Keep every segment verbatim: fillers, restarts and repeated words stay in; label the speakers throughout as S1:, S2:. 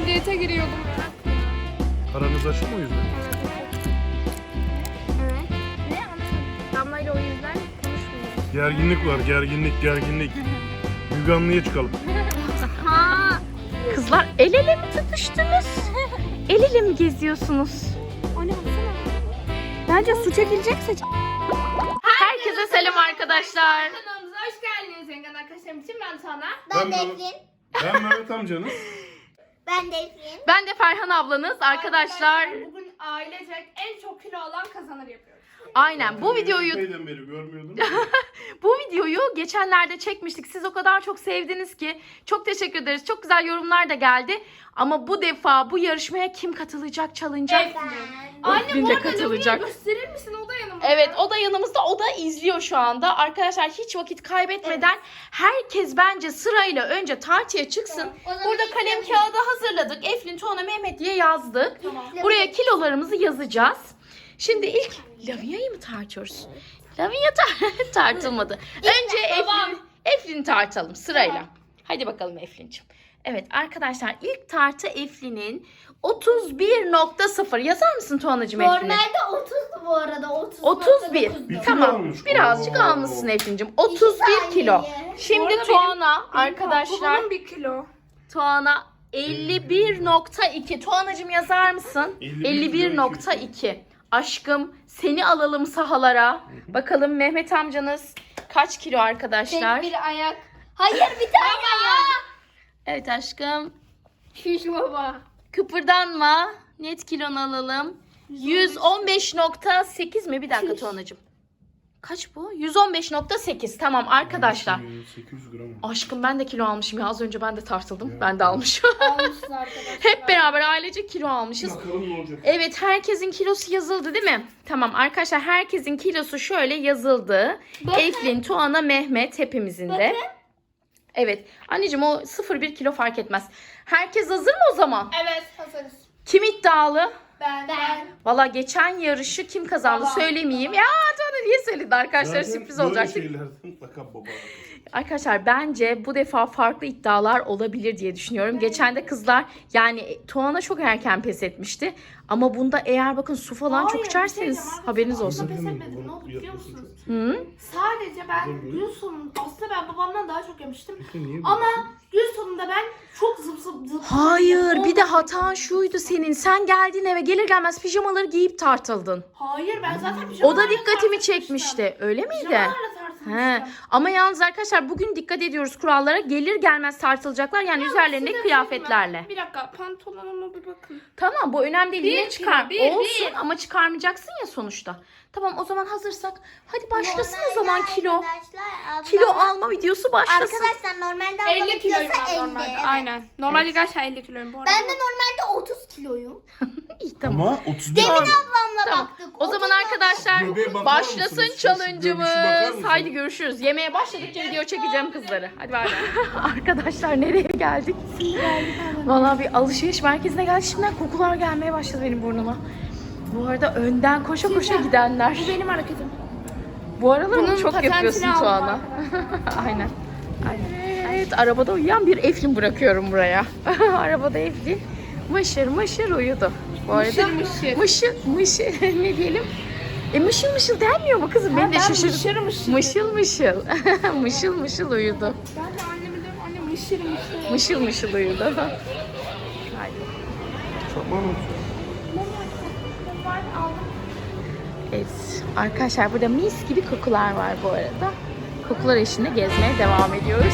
S1: Ben diyete giriyordum.
S2: Aranız açık mı o yüzden?
S1: Evet. Ne anlamadım. Damla ile o yüzden konuşmuyoruz.
S2: Gerginlik var, gerginlik, gerginlik. Müge Anlı'ya çıkalım.
S1: Ha.
S3: Kızlar el ele mi tutuştunuz? El ele mi geziyorsunuz?
S1: O ne baksana.
S3: Bence su çekilecekse. Herkese selam arkadaşlar.
S1: Kanalımıza hoş geldiniz. Yengen arkadaşlarım için ben Tuana.
S2: Ben
S4: Ben
S2: Mehmet-
S4: Defrin.
S2: Ben Mehmet amcanız.
S4: Ben Defrin.
S3: Ben de Ferhan ablanız arkadaşlar.
S1: Bugün ailecek en çok kilo alan kazanır yapıyoruz.
S3: Aynen bu videoyu
S2: Epeyden beri görmüyordum.
S3: bu videoyu geçenlerde çekmiştik. Siz o kadar çok sevdiniz ki çok teşekkür ederiz. Çok güzel yorumlar da geldi. Ama bu defa bu yarışmaya kim katılacak, çalınacak?
S4: Ben.
S1: Anne
S3: Eflin
S1: bu
S3: de
S1: arada
S3: katılacak.
S1: Lavia'yı gösterir misin? O da yanımda.
S3: Evet, o da yanımızda. O da izliyor şu anda. Arkadaşlar hiç vakit kaybetmeden herkes bence sırayla önce tartıya çıksın.
S4: Tamam, o zaman
S3: Burada
S4: ilk
S3: kalem
S4: Lavia.
S3: kağıdı hazırladık. Eflin, Tuana, Mehmet diye yazdık.
S1: Tamam.
S3: Buraya kilolarımızı yazacağız. Şimdi ilk Lavia'yı mı tartıyoruz? Lavia tar- tartılmadı. Önce Eflin, Eflin'i tartalım sırayla.
S1: Tamam.
S3: Hadi bakalım Eflin'ciğim. Evet arkadaşlar, ilk tartı Eflin'in otuz bir nokta sıfır. Yazar mısın Tuana'cığım Eflin'i?
S4: Normalde otuzdu bu arada. otuz
S3: otuz bir.
S4: nokta dokuzdu.
S2: Bir kilo
S3: Tamam.
S2: almış.
S3: Birazcık
S2: Oo.
S3: almışsın Eflin'cim. otuz bir kilo.
S4: saniye.
S1: Bu
S3: Şimdi
S1: arada
S3: Tuana arkadaşlar.
S1: Babamın bir kilo.
S3: Tuana elli bir nokta iki. Tuana'cığım yazar mısın?
S2: elli bir
S3: elli bir nokta iki. Aşkım seni alalım sahalara. Bakalım Mehmet amcanız kaç kilo arkadaşlar?
S4: Tek bir ayak. Hayır bir tane ayak.
S3: Evet aşkım.
S1: Şiş baba.
S3: Kıpırdanma. Net kilonu alalım. yüz on beş nokta sekiz mi? Bir dakika Tuana'cığım. Kaç bu? yüz on beş nokta sekiz. Tamam arkadaşlar.
S2: sekiz yüz gram.
S3: Aşkım ben de kilo almışım ya. Az önce ben de tartıldım. Ben de almışım.
S1: Almışız arkadaşlar.
S3: Hep beraber ailece kilo almışız.
S2: Bakalım ne olacak.
S3: Evet, herkesin kilosu yazıldı değil mi? Tamam arkadaşlar, herkesin kilosu şöyle yazıldı. Eflin, Tuana, Mehmet hepimizin de. Evet. Anneciğim o sıfır bir kilo fark etmez. Herkes hazır mı o zaman?
S1: Evet hazırız.
S3: Kim iddialı?
S1: Ben. Ben.
S3: Valla geçen yarışı kim kazandı
S1: Babam.
S3: söylemeyeyim. Ya Tuana niye söyledi arkadaşlar,
S2: Zaten
S3: sürpriz
S2: böyle
S3: olacak.
S2: şeylerden mutlaka baba.
S3: Arkadaşlar bence bu defa farklı iddialar olabilir diye düşünüyorum. Geçen de kızlar yani Tuana çok erken pes etmişti. Ama bunda eğer bakın su falan
S1: Hayır,
S3: çok
S1: bir şey
S3: içerseniz
S1: diyeceğim.
S3: haberiniz
S1: Aslında
S3: olsun.
S1: pes etmedim. Ne oldu biliyor musunuz?
S3: Hı?
S1: Sadece ben gün sonunda aslında ben babamdan daha çok yemiştim.
S2: Niye
S1: Ama gün sonunda ben çok zıp zıp zıp.
S3: Hayır, bir de
S1: Olmadı.
S3: hatan şuydu senin. Sen geldin eve, gelir gelmez pijamaları giyip tartıldın.
S1: Hayır ben zaten
S3: O
S1: pijamalarla
S3: da dikkatimi
S1: tartışmıştım.
S3: çekmişti. Öyle miydi?
S1: Pijamalarla
S3: He.
S1: tartışmıştım.
S3: Ama yalnız arkadaşlar bugün dikkat ediyoruz kurallara. Gelir gelmez tartılacaklar. Yani üzerlerinde
S1: Size
S3: kıyafetlerle.
S1: söyleyeyim mi? Bir dakika pantolonuma bir bakın.
S3: Tamam, bu önemli değil.
S1: Bir
S3: Yine
S1: kilo,
S3: çıkar.
S1: bir,
S3: Olsun
S1: bir.
S3: ama çıkarmayacaksın ya sonuçta. Tamam, o zaman hazırsak hadi başlasın o
S4: Normalde
S3: zaman kilo.
S4: arkadaşlar,
S3: Kilo
S4: ablam-
S3: alma videosu başlasın.
S4: Arkadaşlar normalde ablamın
S1: elli kiloyum
S4: kilosu
S1: ben
S4: elli.
S1: normalde.
S4: Evet.
S1: Aynen. Normalde gerçekten elli kiloyum bu arada.
S4: Ben de normalde otuz kiloyum.
S3: İyi, tamam.
S2: Ama otuz bir
S4: Demin
S2: var.
S4: ablamla
S3: Tamam.
S4: baktık.
S3: O zaman
S4: otuz
S3: arkadaşlar
S2: Göbeğe bakar
S3: başlasın
S2: mısınız? Şu
S3: challenge'ımız.
S2: görüşü bakar mısınız?
S3: Haydi görüşürüz. Yemeğe başladıkça video çekeceğim kızları. Hadi bay bay. Arkadaşlar nereye geldik? Vallahi bir alışveriş merkezine geldik. Şimdiden kokular gelmeye başladı benim burnuma. Bu arada önden koşa koşa gidenler.
S1: Bu benim hareketim.
S3: Bu aralar
S1: Bunun
S3: onu çok
S1: patentini
S3: yapıyorsun
S1: aldım
S3: Tuana. Aynen. Aynen. Evet, arabada uyuyan bir Eflin bırakıyorum buraya. Arabada Eflin mışır mışır uyudu. Bu arada
S1: Mışır mışır.
S3: mışır mışır ne diyelim? E mışıl mışıl denmiyor mu kızım? Beni de
S1: ben
S3: şaşırdım.
S1: mışır mışır
S3: Mışıl mışıl. Mışıl mışıl uyudu.
S1: Ben de anneme diyorum anne mışır mışır.
S3: Mışıl mışıl uyudu. Haydi.
S2: Tamam.
S3: Evet arkadaşlar, burada mis gibi kokular var bu arada. Kokular eşliğinde gezmeye devam ediyoruz.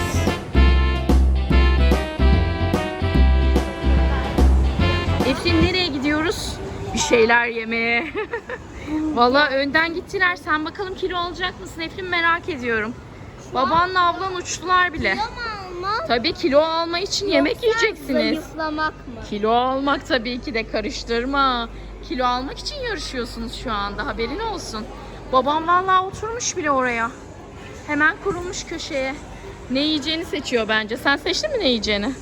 S3: Eflin nereye gidiyoruz? Bir şeyler yemeye. Vallahi önden gittiler. Sen bakalım kilo alacak mısın Eflin, merak ediyorum. Babanla ablan uçtular bile.
S4: Kilo mu almak?
S3: Tabii kilo alma için yemek yiyeceksiniz.
S4: Zayıflamak mı?
S3: Kilo almak tabii ki de, karıştırma. Kilo almak için yarışıyorsunuz şu anda, haberin olsun. Babam vallahi oturmuş bile oraya. Hemen kurulmuş köşeye. Ne yiyeceğini seçiyor bence. Sen seçtin mi ne yiyeceğini?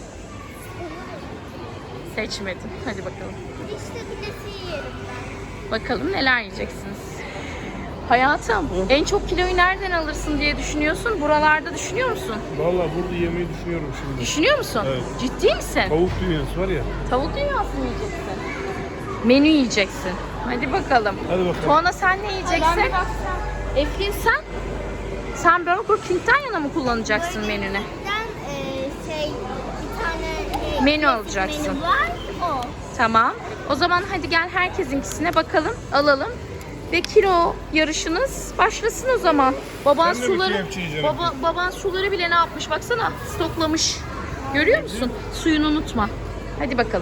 S3: Seçmedin. Hadi bakalım.
S4: İşte pidesi yerim ben.
S3: Bakalım neler yiyeceksiniz. Hayatım, en çok kiloyu nereden alırsın diye düşünüyorsun? Buralarda düşünüyor musun?
S2: Vallahi burada yemeyi düşünüyorum şimdi.
S3: Düşünüyor musun?
S2: Evet.
S3: Ciddi misin?
S2: Tavuk dünyası var ya.
S3: Tavuk dünyası mı yiyeceksin? Menü yiyeceksin. Hadi bakalım.
S2: Hadi bakalım.
S3: Tuana sen ne
S1: Ben
S3: yiyeceksin?
S1: bir baksam.
S3: Eflin sen? Sen Burger King'den yana mı kullanacaksın menünü?
S4: Ben e, şey bir tane e,
S3: Menü alacaksın.
S4: menü var o.
S3: Tamam. O zaman hadi gel herkesinkisine bakalım, alalım. Ve kilo yarışınız başlasın o zaman. Baban
S2: Sen de bir
S3: suları
S2: K F C yiyeceksin.
S3: baba, baban suları bile ne yapmış baksana. Stoklamış. Görüyor musun? Suyunu unutma. Hadi bakalım.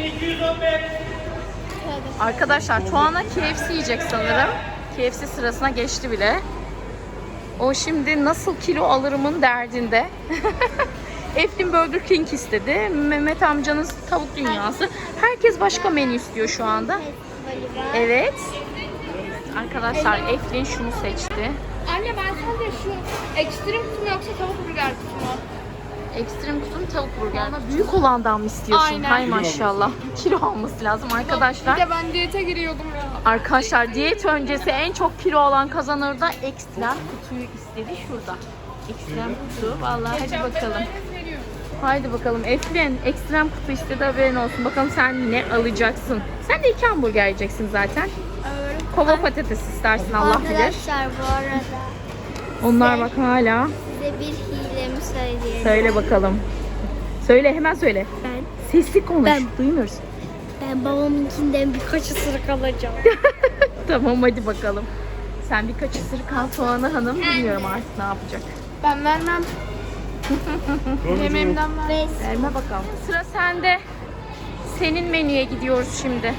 S3: Arkadaşlar Tuana K F C yiyecek sanırım. K F C sırasına geçti bile. O şimdi nasıl kilo alırımın derdinde. Eflin Burger King istedi. Mehmet amcanın tavuk dünyası. Herkes başka menü istiyor şu anda.
S4: Festivali var.
S3: Evet. Arkadaşlar Eflin şunu seçti.
S1: Anne ben sadece şu ekstrem kutu mu yoksa tavuk burger kutu mu?
S3: Ekstrem kutum tavuk burger. Büyük olandan mı istiyorsun?
S1: Aynen.
S3: Hay maşallah. Kilo alması lazım arkadaşlar.
S1: Bir de ben diyete giriyordum ya.
S3: Arkadaşlar diyet öncesi en çok kilo olan kazanır da ekstrem kutuyu istedi şurada. Ekstrem kutu. Vallahi hadi bakalım. Haydi bakalım Eflin ekstrem kutu istedi haberin olsun. Bakalım sen ne alacaksın? Sen de iki hamburger yiyeceksin zaten.
S1: Evet.
S3: Kova patates istersin Allah bilir.
S4: Arkadaşlar bu arada
S3: Onlar bak hala.
S4: size bir hilemi söyleyeyim.
S3: Söyle bakalım. Söyle hemen söyle.
S4: Ben
S3: Sesli konuş.
S4: Ben-
S3: Duymuyoruz.
S4: ben babamınkinden birkaç ısırık alacağım.
S3: Tamam hadi bakalım. Sen birkaç ısırık al Tuana Hanım. Bilmiyorum artık ne yapacak.
S1: Ben vermem. Yemeğimden ver.
S4: Ve
S3: Verme bakalım. Sıra sende. Senin menüye gidiyoruz şimdi.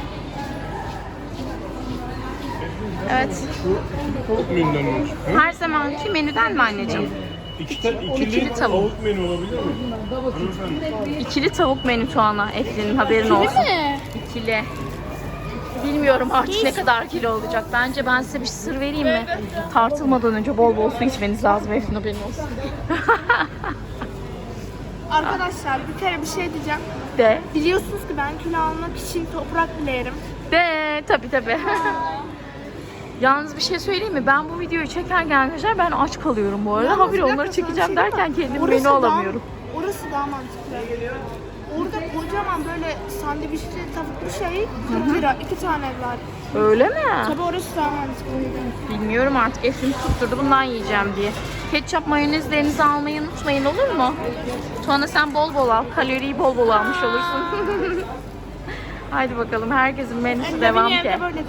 S3: Evet.
S2: Tavuk menüden mi? Hı?
S3: Her zamanki menüden mi anneciğim?
S2: İki tane ikili,
S3: İkili tavuk.
S2: tavuk menü olabilir mi? Hanımefendi.
S3: İkili tavuk menü Tuana. Eflin'in haberin olsun.
S1: mi?
S3: İkili. Bilmiyorum artık ne kadar kilo olacak. Bence ben size bir sır vereyim mi? Tartılmadan önce bol bol su içmeniz lazım. Eflin haberin olsun.
S1: Arkadaşlar bir kere bir şey diyeceğim.
S3: De.
S1: Biliyorsunuz ki ben kilo almak için toprak bile yerim.
S3: De. Tabii tabii. Yalnız bir şey söyleyeyim mi? Ben bu videoyu çekerken arkadaşlar ben aç kalıyorum bu arada.
S1: Yalnız
S3: Habire
S1: bir dakika,
S3: onları
S1: sana bir
S3: çekeceğim
S1: şey
S3: derken
S1: diyeyim mi?
S3: kendim
S1: Orası
S3: menü
S1: daha-
S3: alamıyorum.
S1: Orası daha mantıklı. Orada kocaman böyle sandviçli tavuklu şey kırk lira. iki tane var.
S3: Öyle mi?
S1: Tabii orası daha mantıklıydı.
S3: Bilmiyorum artık. Eflin tutturdu bundan yiyeceğim diye. Ketçap mayonezlerinizi almayı unutmayın olur mu? Tuana sen bol bol al. Kaloriyi bol bol almış olursun. Haydi bakalım herkesin menüsü devam
S1: Benim
S3: ki.
S1: evde böyle de.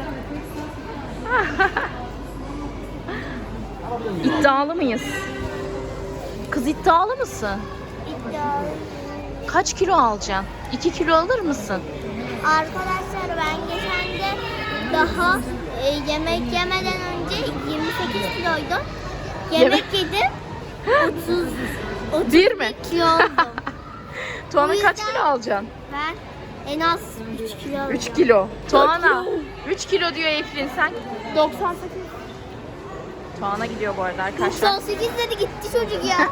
S3: İddialı mıyız? Kız iddialı mısın?
S4: iddialı.
S3: Kaç kilo alacaksın? iki kilo alır mısın?
S4: Arkadaşlar ben geçen de daha e, yemek yemeden önce yirmi sekiz kiloydum. Yemek yedim. otuz otuz
S3: Bir mi?
S4: kilo oldum.
S3: Tuana
S4: O
S3: kaç
S4: yüzden-
S3: kilo alacaksın?
S4: Ben en az üç kilo alacağım.
S3: üç kilo. Tuana üç kilo diyor Eflin sen.
S1: doksan sekiz.
S3: Tuana gidiyor bu arada arkadaşlar.
S4: doksan sekiz dedi gitti çocuk ya.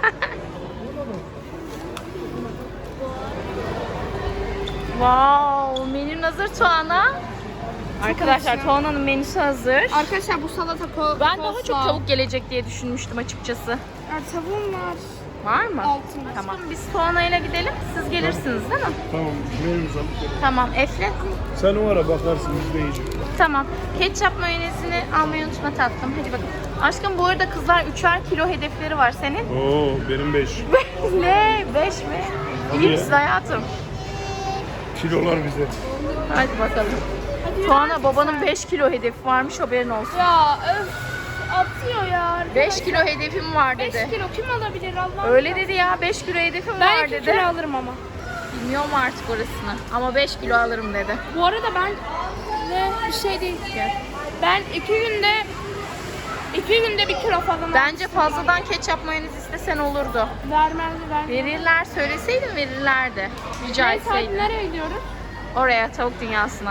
S3: Wow, menün hazır Tuana. Arkadaşlar Tuana'nın menüsü hazır.
S1: Arkadaşlar bu salata ko
S3: Ben daha
S1: coleslaw.
S3: çok tavuk gelecek diye düşünmüştüm açıkçası.
S1: Ya, tavuğum var.
S3: Var mı?
S1: Altında.
S3: Tamam. Biz Tuana'yla gidelim. Siz gelirsiniz değil mi?
S2: Tamam menümüzü alıp gelelim.
S3: Tamam. Eflin.
S2: Sen o ara bakarsın biz de yiyeceğiz.
S3: Tamam. Ketçap mayonezini almayı unutma tatlım. Hadi bakalım. Aşkım bu arada kızlar üçer kilo hedefleri var senin.
S2: Oo benim beş.
S3: Ne? Beş mi?
S2: Hadi
S3: İyi
S2: ya.
S3: misin hayatım?
S2: Kilolar bize.
S3: Hadi bakalım. Tuana babanın beş kilo hedefi varmış haberin olsun.
S1: Ya öf atıyor ya.
S3: beş kilo hedefim var
S1: beş
S3: dedi.
S1: kilo kim alabilir Allah?
S3: Öyle dedi ya beş kilo hedefim
S1: Ben
S3: var
S1: iki
S3: dedi.
S1: kilo alırım ama.
S3: Bilmiyorum artık orasını ama beş kilo alırım dedi.
S1: Bu arada ben ne bir şey değil ki. Ben iki günde iki günde bir kilo falan
S3: Bence fazladan ketçap mayonez istesen olurdu.
S1: vermez vermez.
S3: Verirler söyleseydin verirlerdi. Rica
S1: Neyse hadi
S3: etseydin.
S1: nereye gidiyoruz?
S3: Oraya tavuk dünyasına.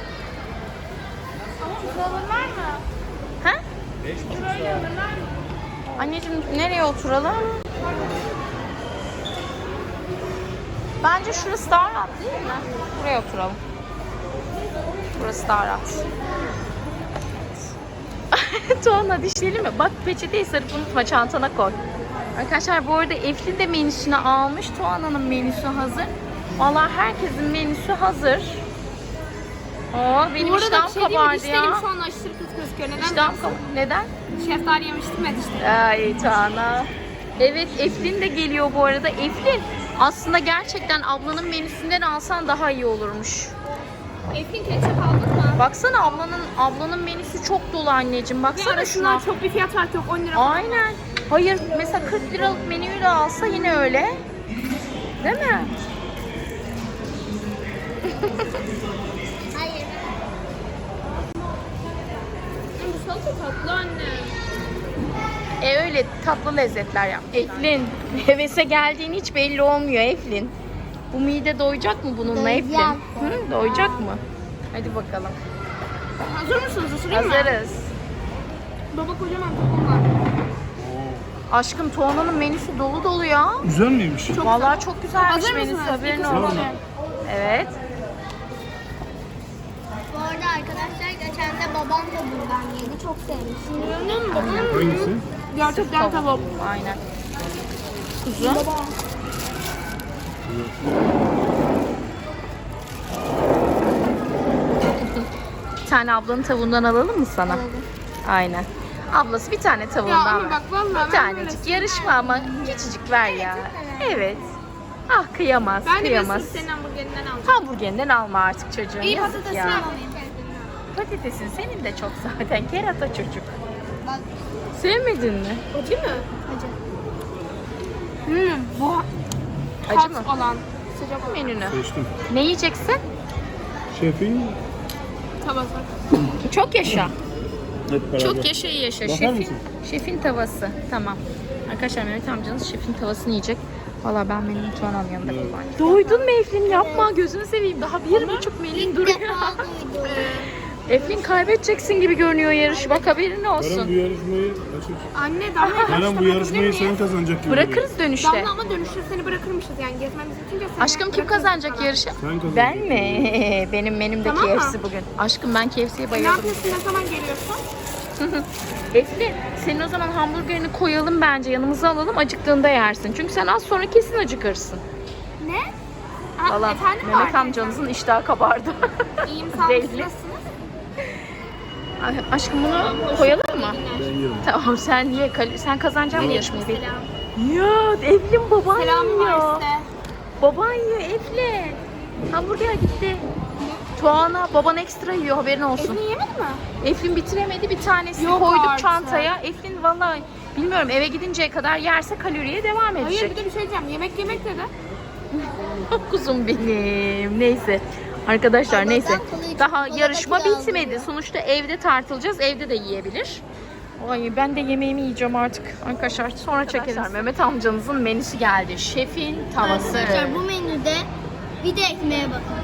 S1: Ama ucuz alırlar mı?
S3: Ha?
S1: Şurayı alırlar mı?
S3: Anneciğim nereye oturalım? Bence şurası daha rahat değil mi? Buraya oturalım. Burası daha rahat. Tuana dişleyelim mi? Bak peçeteyi sarıp unutma, çantana koy. Arkadaşlar bu arada Eflin de menüsünü almış. Tuana'nın menüsü hazır. Vallahi herkesin menüsü hazır. Oo, benim iştahım kabardı ya.
S1: şu an aşırı kötü gözüküyor. Neden?
S3: İştahım kabardı. Neden?
S1: Şeftali yemiştim ya işte.
S3: Ay Tuana. Evet, Eflin de geliyor bu arada. Eflin, aslında gerçekten ablanın menüsünden alsan daha iyi olurmuş.
S1: Eflin ketçap aldın mı?
S3: Baksana ablanın ablanın menüsü çok dolu anneciğim. Baksana
S1: Yani
S3: şuna.
S1: şunlar çok bir fiyat farkı yok. on lira.
S3: Aynen. Hayır, mesela kırk liralık menüyü de alsa yine öyle. Değil mi?
S4: Hayır.
S1: Bu salata tatlı anne.
S3: E öyle tatlı lezzetler yap. Eflin, hevese geldiğin hiç belli olmuyor Eflin. Bu mide doyacak mı bununla Eflin?
S4: Doyacak.
S3: Hı, doyacak mı? Hadi bakalım.
S1: Hazır mısınız? Isırayım mı?
S3: Hazırız.
S1: Baba kocaman tokum var.
S3: Aşkım Tuana'nın menüsü dolu dolu ya.
S2: Güzel miymiş?
S1: Çok
S3: Vallahi çok güzelmiş
S1: Hazır
S3: menüsü,
S1: mısınız?
S3: haberin
S1: İkisi
S3: olsun.
S1: de.
S3: Evet.
S4: Bu arada arkadaşlar geçen de babam da buradan yedi. Çok sevmiş.
S2: Hangisi?
S1: Gerçekten tavuk.
S3: Aynen. Kuzu. Bir tane ablanın tavuğundan alalım mı sana? Aynen. Ablası bir tane
S1: Ya
S3: tavuğundan
S1: ama
S3: ver.
S1: bak vallahi
S3: Bir
S1: ben
S3: tanecik
S1: böyle-
S3: yarışma ama küçücük ver ya. Evet. Ah kıyamaz,
S1: Ben de bir
S3: kıyamaz.
S1: sırf senin hamburgerinden alacağım.
S3: Hamburgerinden alma artık çocuğum.
S1: İyi
S3: Yazık
S1: patatesini
S3: ya.
S1: alayım.
S3: Patatesin senin de çok zaten. Kerata çocuk.
S4: Bak.
S3: Sevmedin mi?
S1: Acı mı?
S4: Acı.
S1: Hmm, bu
S3: Acı
S1: hot
S3: mı?
S1: olan sıcak olan
S3: Menünü.
S2: Seçtim.
S3: Ne yiyeceksin?
S2: Şefin
S1: tavası.
S3: Çok yaşa.
S2: hep beraber.
S3: Çok yaşa iyi yaşa.
S2: Bakar
S3: Şefin,
S2: mısın?
S3: şefin tavası. Tamam. Arkadaşlar Mehmet amcanız şefin tavasını yiyecek. Valla ben menümü Tuana'nın yanında kullanacağım. Doydun mu Eflin? Yapma gözünü seveyim. Daha bir buçuk menün
S4: İlk
S3: duruyor.
S4: defa duydum.
S3: Eflin kaybedeceksin gibi görünüyor yarış. Bak haberin
S2: Eren bu
S3: olsun.
S2: yarışmayı açır.
S1: Anne Damla
S2: Eren bu yarışmayı sen kazanacak gibi.
S3: Bırakırız dönüşte.
S1: Damla ama dönüşte seni bırakırmışız yani gezmemiz için de seni
S3: Aşkım kim
S1: bırakırız
S3: kazanacak
S1: sana.
S3: yarışı?
S2: Sen kazanacaksın.
S3: Ben mi? Benim menümde
S1: Tamam mı?
S3: K F C bugün. Aşkım ben K F C'ye
S1: Ne
S3: bayıldım.
S1: yapıyorsun? Ne zaman geliyorsun?
S3: Eflin senin o zaman hamburgerini koyalım bence yanımıza alalım, acıktığında yersin. Çünkü sen az sonra kesin acıkırsın.
S1: Ne? Ha,
S3: Valla
S1: efendim
S3: Mehmet
S1: var.
S3: amcanızın iştahı kabardı.
S1: İyiyim sağ olun.
S3: Belli.
S1: Nasılsınız?
S3: Ay, aşkım bunu koyalım mı?
S2: Ben yerim.
S3: Tamam sen ye, kal- sen kazanacaksın mı yarışmayı?
S1: Selam.
S3: Ya Eflin baban
S1: Selam
S3: yiyor.
S1: var size.
S3: Baban yiyor Eflin. Hamburger gitti. Tuana baban ekstra yiyor haberin olsun.
S1: Eflin yemedi mi?
S3: Eflin bitiremedi bir tanesini
S1: Yok
S3: koyduk
S1: artık.
S3: çantaya. Eflin vallahi bilmiyorum eve gidinceye kadar yerse kaloriye devam edecek.
S1: Hayır bir de bir şey diyeceğim. Yemek yemek dedi.
S3: Kuzum benim. Neyse. Arkadaşlar
S4: Allah'tan
S3: neyse.
S4: kolayı
S3: Daha
S4: çok
S3: yarışma
S4: kolay
S3: bitmedi.
S4: alıyor.
S3: Sonuçta evde tartılacağız. Evde de yiyebilir. Ay ben de yemeğimi yiyeceğim artık. Arkadaşlar sonra çekeriz. Mehmet amcanızın menüsü geldi. Şefin tavası.
S4: Arkadaşlar bu menüde bir de ekmeğe bakın.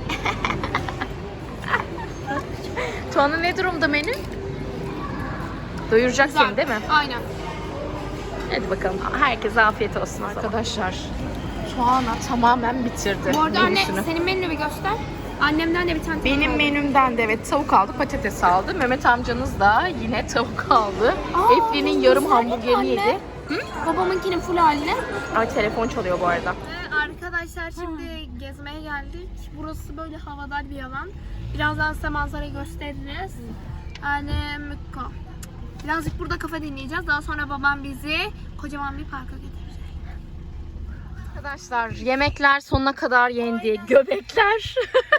S3: Tuana ne durumda menü? Doyuracak seni değil mi?
S1: Aynen.
S3: Hadi bakalım. Herkese afiyet olsun arkadaşlar. Tuana tamamen bitirdi
S1: Bu arada anne
S3: menüsünü.
S1: senin menünü bir göster. Annemden de bir tane
S3: Benim
S1: tavuk aldım.
S3: menümden de evet tavuk aldı, patates aldı. Mehmet amcanız da yine tavuk aldı.
S1: Aa,
S3: Eflin'in yarım
S1: güzel
S3: hamburgerini
S1: anne.
S3: yedi.
S1: Babamınkinin full haline.
S3: Ay telefon çalıyor bu arada.
S1: Arkadaşlar şimdi gezmeye geldik. Burası böyle havadar bir alan. Birazdan size manzarayı gösteririz. Yani mükka. Birazcık burada kafa dinleyeceğiz. Daha sonra babam bizi kocaman bir parka götürecek.
S3: Arkadaşlar yemekler sonuna kadar yendi. Göbekler.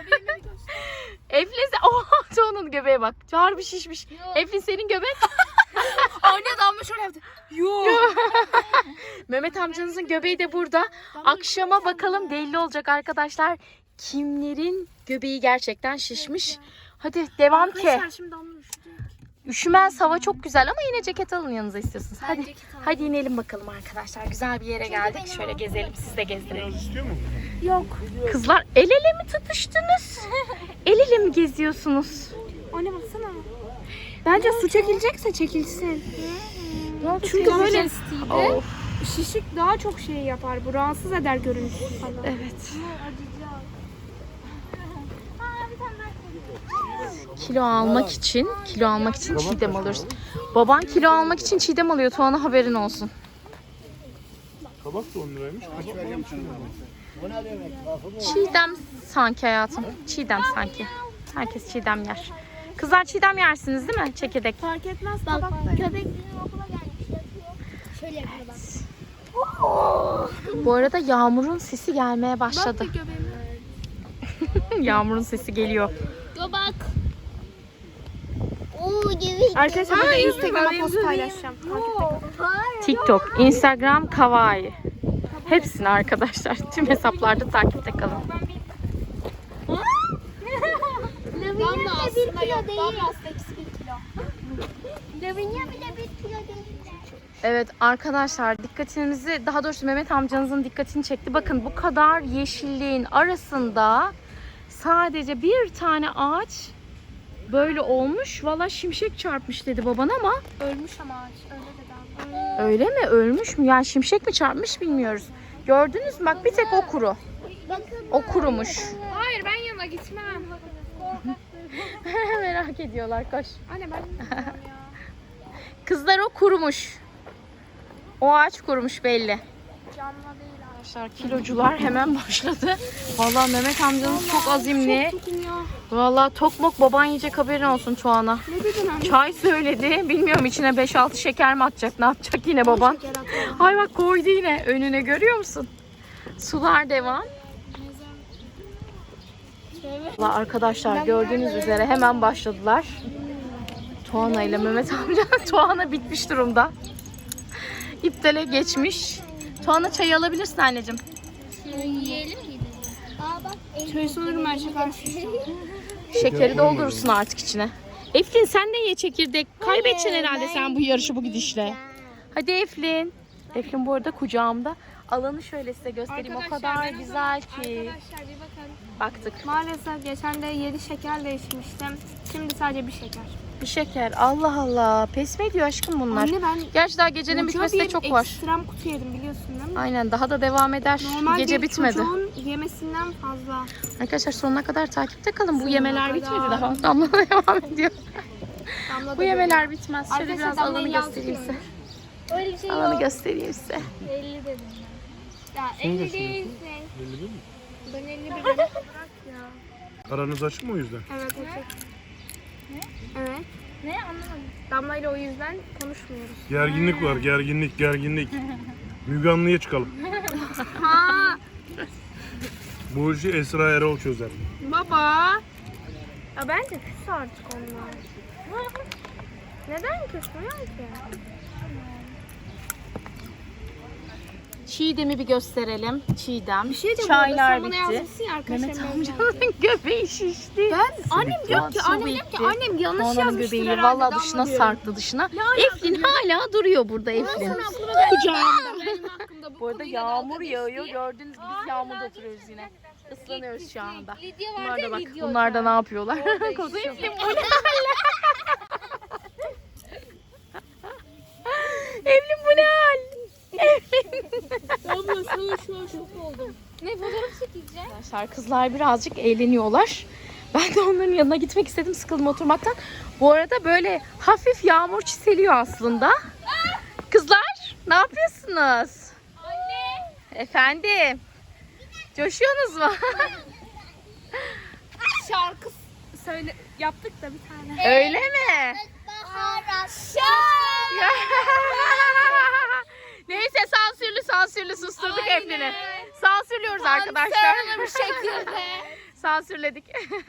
S3: Eflin sen... Oha Tuğan'ın göbeğe bak. Harbi şişmiş. Eflin senin göbek.
S1: Anne damla şöyle yaptı. Yok.
S3: Mehmet amcanızın göbeği de burada. Akşama bakalım belli olacak arkadaşlar. Kimlerin göbeği gerçekten şişmiş. Hadi devam ki.
S1: Arkadaşlar şimdi damla üşüdük.
S3: Üşümez hava çok güzel ama yine ceket alın yanınıza istiyorsunuz.
S1: Ben
S3: Hadi
S1: ceket alayım.
S3: hadi inelim bakalım arkadaşlar. Güzel bir yere geldik. Şöyle gezelim siz de gezdirelim.
S2: Biraz istiyor mu?
S1: Yok.
S3: Kızlar el ele mi tutuştunuz? El ele mi geziyorsunuz?
S1: Anne baksana. Bence su çekilecekse çekilsin. Çünkü böyle
S3: Of,
S1: şişik daha çok şey yapar. Bu rahatsız eder görüntüsü falan.
S3: evet. kilo almak için, kilo almak için çiğdem alıyoruz. Baban kilo almak için çiğdem alıyor. Tuana haberin olsun.
S2: Kabak da on liraymış.
S3: Çiğdem sanki hayatım. Çiğdem sanki. Herkes çiğdem yer. Kızlar çiğdem yersiniz değil mi? Çekirdek.
S1: Fark etmez
S4: Bak
S1: tabak da.
S4: köpek bizim okula gelmiş yatıyor. Şöyle yapıyor bak.
S3: Bu arada Yağmur'un sesi gelmeye
S1: Bak
S3: başladı.
S1: bir göbeğime.
S3: Yağmur'un sesi geliyor.
S4: Göbek. Oo gibi.
S1: Arkadaşlar burada
S3: Ay,
S1: Instagram'a
S3: izledim,
S1: post
S3: izledim.
S1: paylaşacağım. Takipte kalın.
S3: TikTok, Instagram, Kawaii. Hepsini arkadaşlar. Tüm hesaplarda takipte kalın.
S4: Lavinia bile bir kilo değil.
S1: aslında ikisi bir kilo.
S4: Lavinia bile bir kilo değil.
S3: Evet arkadaşlar dikkatinizi, daha doğrusu Mehmet amcanızın dikkatini çekti. Bakın bu kadar yeşilliğin arasında sadece bir tane ağaç böyle olmuş. Valla şimşek çarpmış dedi baban ama
S1: Ölmüş ama ağaç. Öyle dedi abi.
S3: öyle mi? Ölmüş mü? Yani şimşek mi çarpmış bilmiyoruz. Gördünüz mü? Bak bir tek o kuru. O kurumuş.
S1: Hayır ben yanına gitmem.
S3: Merak ediyorlar koş.
S1: Anne ben gitmem ya.
S3: Kızlar o kurumuş. O ağaç kurumuş belli.
S1: Canlı değil abi.
S3: Arkadaşlar kilocular hemen başladı. Vallahi Mehmet amcanız çok azimli.
S1: Tokum ya.
S3: Vallahi tok mok baban yiyecek haberin olsun Tuana.
S1: Ne dedin anne?
S3: Çay söyledi. Bilmiyorum içine beş altı şeker mi atacak? Ne yapacak yine baban?
S1: Şeker atıyorum.
S3: Ay bak koydu yine önüne görüyor musun? Sular devam. Vallahi arkadaşlar gördüğünüz üzere hemen başladılar. Tuana ile Mehmet amca. Tuana bitmiş durumda. İptale geçmiş. Tuana çayı alabilirsin anneciğim.
S4: Yiyelim mi? Aa bak.
S1: Şöyle sanırım ben şeker.
S3: Şekeri doldurursun artık içine. Eflin sen de ye çekirdek. Kaybedeceksin herhalde sen bu yarışı bu gidişle. Hadi Eflin. Eflin bu arada kucağımda. Alanı şöyle size göstereyim. O kadar
S1: ben o
S3: güzel
S1: zaman-
S3: ki.
S1: Arkadaşlar bir bakın.
S3: Baktık.
S1: Maalesef geçen de yedi şeker değişmiştim. Şimdi sadece bir şeker.
S3: Bir şeker. Allah Allah. Pes mi ediyor aşkım bunlar?
S1: Anne ben
S3: Gerçi daha gecenin
S1: koca
S3: bitmesine
S1: bir
S3: çok var.
S1: ekstrem kutu yedim biliyorsun değil mi?
S3: Aynen daha da devam eder.
S1: Normal
S3: Gece
S1: bir
S3: bitmedi.
S1: çocuğun yemesinden fazla.
S3: Arkadaşlar sonuna kadar takipte kalın. Bu
S1: Sonuna
S3: yemeler
S1: kadar.
S3: bitmedi daha. Damla da devam ediyor.
S1: Damla
S3: Bu
S1: da
S3: yemeler bitmez. Şöyle
S1: Arkadaşlar
S3: biraz
S1: Damla'yı
S3: alanı göstereyim size.
S1: yansıtıyor.
S4: Öyle bir şey
S3: Alanı
S4: yok.
S3: göstereyim size.
S4: elli dedim
S1: Ya
S2: Şunu da
S1: elli değil.
S2: Belli değil mi?
S1: Ben elli bir bırak ya.
S2: Aranız açık mı o yüzden?
S1: Evet açık. Evet.
S4: Ne anlamadım.
S1: Damla ile o yüzden konuşmuyoruz.
S2: Gerginlik var, gerginlik, gerginlik. Müge Anlı'ya çıkalım.
S1: Ha
S2: Bu işi Esra Erol çözer.
S1: baba. Ya bence küs artık onlar. Neden küsmüyor ki?
S3: Çiğdem'i bir gösterelim. Çiğdem.
S1: Bir şey diyeceğim.
S3: Çaylar
S1: Sen bana
S3: bitti.
S1: yazmışsın ya arkadaşlar.
S3: Mehmet amcanın göbeği şişti.
S1: Ben annem diyor ki
S3: Su
S1: annem diyor ki
S3: bitti.
S1: annem yanlış
S3: Tuana'nın
S1: yazmıştır
S3: göbeği
S1: herhalde.
S3: valla
S1: Damla
S3: dışına
S1: diyorum.
S3: sarktı dışına.
S1: alaka
S3: Eflin hala duruyor burada Eflin.
S1: Aklıma geldi.
S3: Kucağımda.
S1: Benim hakkımda bu
S3: Bu arada
S1: konuyla
S3: yağmur
S1: dalga
S3: yağıyor.
S1: geçti.
S3: Gördüğünüz gibi biz yağmurda oturuyoruz yine. Islanıyoruz şu anda.
S4: Lidya
S3: Bunlar
S4: vardı
S3: da
S4: ya
S3: bak.
S4: Lidya
S3: Bunlar da ne yapıyorlar? Kozu
S1: işiyor.
S3: Eflin bu ne hal? Eflin bu ne hal?
S1: Abla sana şu an şok oldum.
S4: Ne fotoğraf çekeceğim?
S3: Arkadaşlar kızlar birazcık eğleniyorlar. Ben de onların yanına gitmek istedim sıkıldım oturmaktan. Bu arada böyle hafif yağmur çiseliyor aslında. Kızlar ne yapıyorsunuz?
S4: Anne.
S3: Efendim? Coşuyorsunuz mu?
S1: Şarkı söyle yaptık da bir tane.
S3: Öyle mi?
S4: Baharat.
S3: Neyse sansürlü sansürlü susturduk Eflin'i. Sansürlüyoruz arkadaşlar.
S1: bir şekilde.
S3: Sansürledik.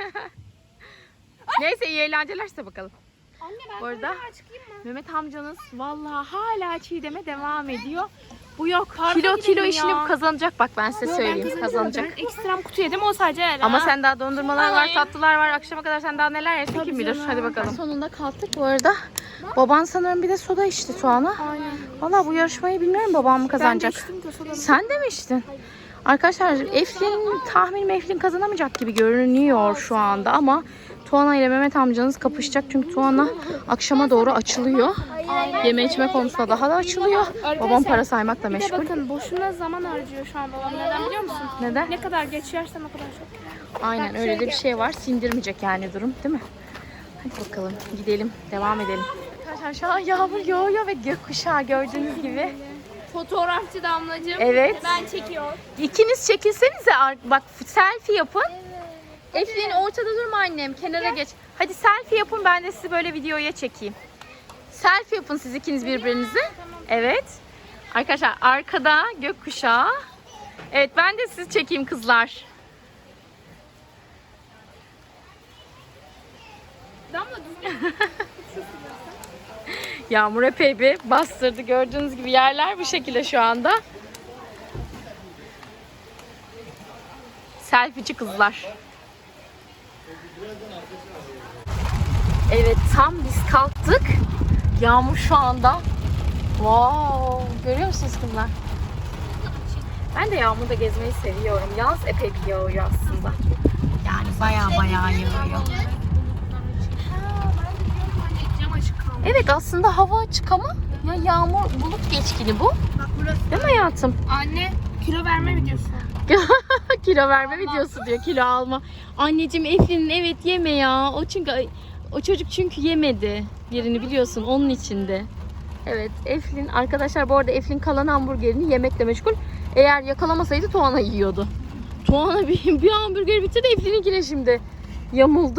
S3: Neyse iyi eğlenceler size bakalım.
S1: Anne ben
S3: Bu arada
S1: böyle çıkayım mı?
S3: Mehmet amcanız vallahi hala çiğdeme devam ediyor. Bu yok.
S1: Parka
S3: Kilo kilo
S1: gidelim
S3: işini
S1: ya.
S3: kazanacak bak ben size söyleyeyim kazanacak.
S1: Ben ekstrem kutu yedim o sadece öyle.
S3: Ama
S1: ha.
S3: sen daha dondurmalar var,
S1: Ay.
S3: tatlılar var. Akşama kadar sen daha neler yersin
S1: Tabii
S3: kim bilir.
S1: canım.
S3: Hadi bakalım. Sonunda kalktık bu arada. Baban sanırım bir de soda içti Tuana.
S1: Aynen.
S3: Valla bu yarışmayı bilmiyorum babam mı kazanacak.
S1: Ben de içtim ki o sodanı.
S3: Sen de mi içtin? Arkadaşlar Eflin tahminim Eflin kazanamayacak gibi görünüyor şu anda ama Tuana ile Mehmet amcanız kapışacak çünkü Tuana akşama doğru açılıyor. Yeme içme konusunda daha da açılıyor. Babam para saymakla
S1: Bir de
S3: meşgul.
S1: bakın boşuna zaman harcıyor şu an babam. Neden biliyor musun?
S3: Neden?
S1: Ne kadar geç yersen o kadar çok.
S3: Aynen öyle de bir şey var. Sindirmeyecek yani durum değil mi? Hadi bakalım gidelim. Devam edelim. Arkadaşlar şu an yağmur yağıyor ve gökkuşağı gördüğünüz gibi.
S1: Fotoğrafçı Damlacığım.
S3: Evet.
S1: Ben çekiyorum.
S3: İkiniz çekilsenize. ar- Bak selfie yapın. Eflin ortada durma annem. Kenara geç. Hadi selfie yapın, ben de sizi böyle videoya çekeyim. Selfie yapın siz ikiniz birbirinizi. Evet. Arkadaşlar arkada gökkuşağı. Evet, ben de sizi çekeyim kızlar.
S1: Damla düzgün.
S3: Yağmur epey bir bastırdı. Gördüğünüz gibi yerler bu şekilde şu anda. Selfieci kızlar. Evet, tam biz kalktık. Yağmur şu anda. Wow, görüyor musunuz kızlar? Ben de yağmurda gezmeyi seviyorum. Yaz epey bir yağıyor aslında. Yani baya baya yağıyor.
S1: Cam açık kaldı.
S3: Evet, aslında hava açık ama ya yağmur bulut geçkini bu.
S1: Bak burası.
S3: Değil mi hayatım?
S1: Anne kilo verme videosu.
S3: Kilo verme videosu diyor, kilo alma. Anneciğim Eflin'in evet yeme ya. O çünkü o çocuk çünkü yemedi. Yerini biliyorsun, onun içinde. Evet, Eflin arkadaşlar, bu arada Eflin kalan hamburgerini yemekle meşgul. Eğer yakalamasaydı Tuana yiyordu. Tuana bir, bir hamburger bitirdi, Eflin'inkine şimdi yamuldu.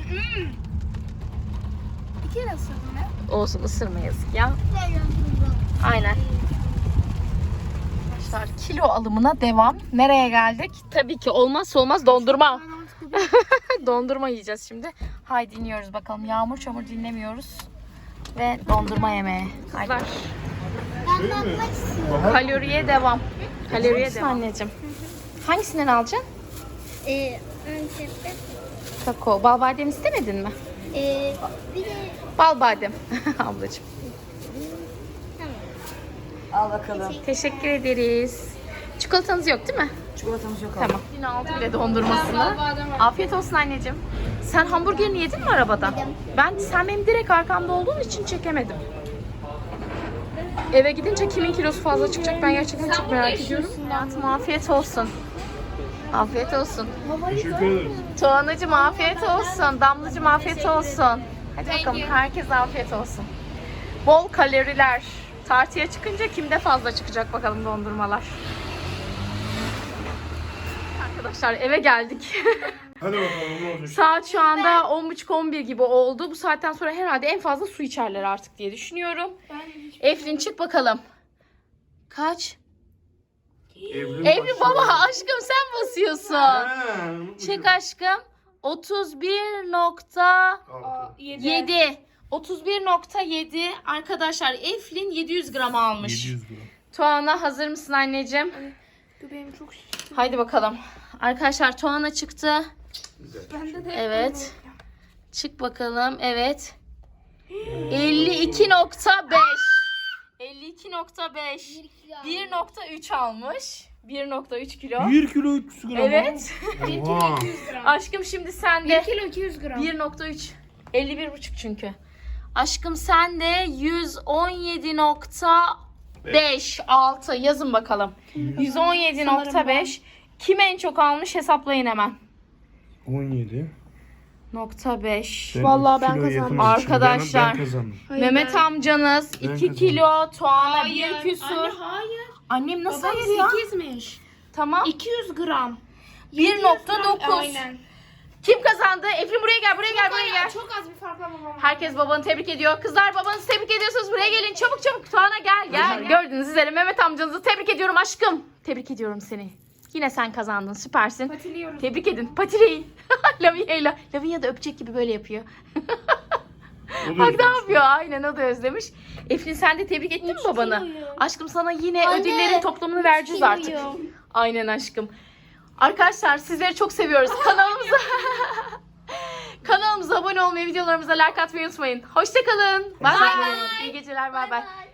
S1: İki kere ısırdım ya.
S3: Olsun, ısırma yazık ya. Aynen. Arkadaşlar kilo alımına devam. Nereye geldik? Tabii ki olmazsa olmaz dondurma. Dondurma yiyeceğiz şimdi. Haydi iniyoruz bakalım. Yağmur çamur dinlemiyoruz. Ve dondurma yemeye. Haydi.
S4: Ben bakmak istiyorum.
S3: Kaloriye devam. Kaloriye devam. Anneciğim. Hangisinden alacaksın?
S4: Ee, önce
S3: Kakao. Bal badem istemedin mi?
S4: ee, bir de
S3: Bal badem. Ablacığım.
S5: Al bakalım.
S3: Teşekkür ederiz. Çikolatanız yok değil mi?
S5: Çikolatamız yok.
S3: Tamam. Yine aldı bile dondurmasını. Afiyet olsun anneciğim. Sen hamburgerini yedin mi arabada? Ben, sen benim direkt arkamda olduğun için çekemedim. Eve gidince kimin kilosu fazla çıkacak, ben gerçekten çok merak ediyorum. Hayatım afiyet olsun. Afiyet olsun.
S2: Teşekkür ederiz.
S3: Tuğanacığım afiyet olsun. Damlacığım afiyet olsun. Hadi bakalım, herkese afiyet olsun. Bol kaloriler. Tartıya çıkınca kimde fazla çıkacak bakalım dondurmalar. Arkadaşlar eve geldik.
S2: Hadi bakalım ne olacak?
S3: Saat şu anda on buçuk on bir gibi oldu. Bu saatten sonra herhalde en fazla su içerler artık diye düşünüyorum. Eflin çık bakalım. Kaç?
S2: Evrim
S3: Evlin baba aşkım sen basıyorsun. Çık aşkım. otuz bir nokta yedi. otuz bir nokta yedi. Arkadaşlar Eflin yedi yüz gram almış.
S2: yedi yüz gram.
S3: Tuana hazır mısın anneciğim?
S1: Benim çok şişti.
S3: Haydi bakalım. Arkadaşlar Tuana çıktı.
S1: Bende de.
S3: Evet. Çık bakalım. Evet. elli iki nokta beş. elli iki nokta beş. bir nokta üç almış. bir nokta üç kilo.
S2: bir kilo üç yüz gram.
S3: Evet.
S2: Oha.
S3: Aşkım şimdi sen de
S1: bir kilo iki yüz gram.
S3: bir nokta üç. elli bir buçuk çünkü. Aşkım sen de yüz on yedi nokta beş altı yazın bakalım. yüz on yedi nokta beş. Kim en çok almış hesaplayın hemen.
S2: on yedi.
S3: Nokta beş.
S2: Ben
S1: Vallahi
S2: iki
S1: ben
S2: kilo
S1: kazandım.
S2: yedim için
S3: Arkadaşlar.
S2: Ben, ben kazandım.
S3: Mehmet amcanız
S2: Ben
S3: iki
S2: kazandım.
S3: kilo, Tuana
S1: Hayır.
S3: bir küsur.
S1: Anne hayır.
S3: Annem nasıl
S1: Babam
S3: hayır ya?
S1: sekizmiş.
S3: Tamam.
S1: iki yüz gram.
S3: bir nokta dokuz.
S1: Aynen.
S3: Kim kazandı? Eflin buraya gel, buraya gel, buraya gel.
S1: Çok az bir farkla babam.
S3: Herkes babanı tebrik ediyor. Kızlar babanızı tebrik ediyorsunuz. Buraya gelin. Çabuk çabuk. Tuana gel gel. Gördüğünüz üzere Mehmet amcanızı tebrik ediyorum aşkım. Tebrik ediyorum seni. Yine sen kazandın. Süpersin.
S1: Patiliyoruz.
S3: Tebrik edin. Patileyin. Lavinya'yla. Lavinya da öpecek gibi böyle yapıyor.
S2: O da
S3: Bak ne
S2: özlemiş.
S3: yapıyor? Aynen, o da özlemiş. Eflin sen de tebrik ettin mi babanı? Aşkım sana yine
S4: Anne,
S3: ödüllerin toplamını vereceğiz
S4: kiloyum.
S3: artık. Aynen aşkım. Arkadaşlar sizleri çok seviyoruz. Kanalımıza kanalımıza abone olmayı, videolarımıza like atmayı unutmayın. Hoşçakalın. Bay bay. İyi geceler. Bay bay.